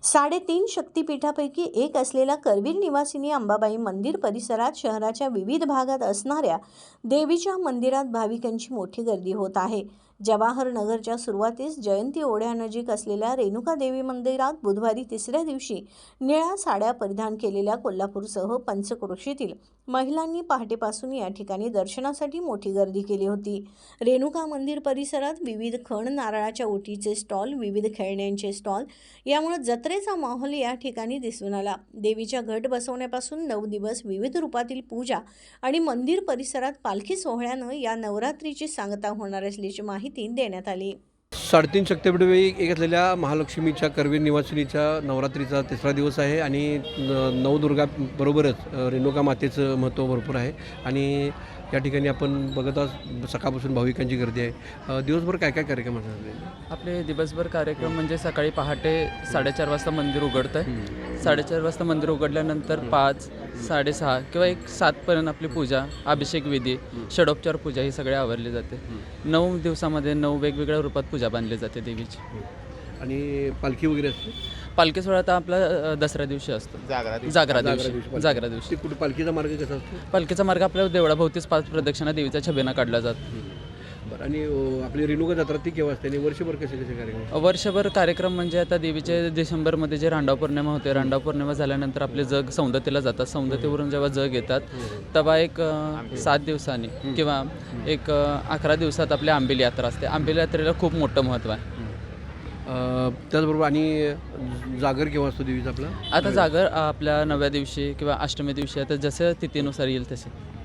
3.5 शक्तिपीठापैकी एक असलेल्या करवीर निवासिनी अंबाबाई मंदिर परिसरात शहराच्या विविध भागात असणाऱ्या देवीच्या मंदिरात भाविकांची मोठी गर्दी होत आहे. जवाहर नगरच्या सुरुवातीस जयंती ओढ्यानजीक असलेल्या रेणुका देवी मंदिरात बुधवारी तिसऱ्या दिवशी निळ्या साड्या परिधान केलेल्या कोल्हापूरसह पंचक्रोशीतील महिलांनी पहाटेपासून या ठिकाणी दर्शनासाठी मोठी गर्दी केली होती. रेणुका मंदिर परिसरात विविध खण, नारळाच्या ओटीचे स्टॉल, विविध खेळण्यांचे स्टॉल यामुळे जत्रेचा माहोल या ठिकाणी दिसून आला. देवीच्या घट बसवण्यापासून 9 दिवस विविध रूपातील पूजा आणि मंदिर परिसरात पालखी सोहळ्यानं या नवरात्रीची सांगता होणार असल्याची माहिती देण्यात आली. 3.5 शक्तिपीठापैकी एक असलेल्या महालक्ष्मीच्या करवीर निवासिनीच्या नवरात्रीचा तिसरा दिवस आहे आणि नवदुर्गा बरोबरच रेणुका मातेचं महत्त्व भरपूर आहे आणि या ठिकाणी आपण बघत आहोत सकाळपासून भाविकांची गर्दी आहे. दिवसभर काय काय कार्यक्रम असतात? आपले दिवसभर कार्यक्रम म्हणजे सकाळी पहाटे 4:30 वाजता मंदिर उघडतं आहे. 4:30 वाजता मंदिर उघडल्यानंतर 5, 6:30 किंवा 7पर्यंत आपली पूजा, अभिषेक विधी, षडोपचार पूजा ही सगळे आवरली जाते. 9 दिवसामध्ये 9 वेगवेगळ्या रूपात पूजा बांधली जाते देवीची. आणि पालखी वगैरे असते? पालखी सोहळा आता आपला दसऱ्या दिवशी असतो. जागरा दिवशी. कुठे पालखीचा मार्ग कसा असतो? पालखीचा मार्ग आपल्या देवळाभोवतीच 5 प्रदक्षिणा देवीच्या छबिना काढला जातो. बरं. आणि आपली रेणुका जत्रा ती केव्हा असते आणि वर्षभर कसे कसे कार्यक्रम? वर्षभर कार्यक्रम म्हणजे आता देवीचे डिसेंबरमध्ये जे रांडाव पौर्णिमा होते, रांडाव पौर्णिमा झाल्यानंतर आपले जग सौंदतीला जातात. सौंदतीवरून जेव्हा जग येतात तेव्हा एक 7 दिवसांनी किंवा एक 11 दिवसात आपली आंबेली यात्रा असते. आंबेली यात्रेला खूप मोठं महत्त्व आहे. त्याचबरोबर आणि जागर केव्हा असतो देवीचा आपला? आता जागर आपल्या 9व्या दिवशी किंवा अष्टमी दिवशी आता जसं तिथीनुसार येईल तसे.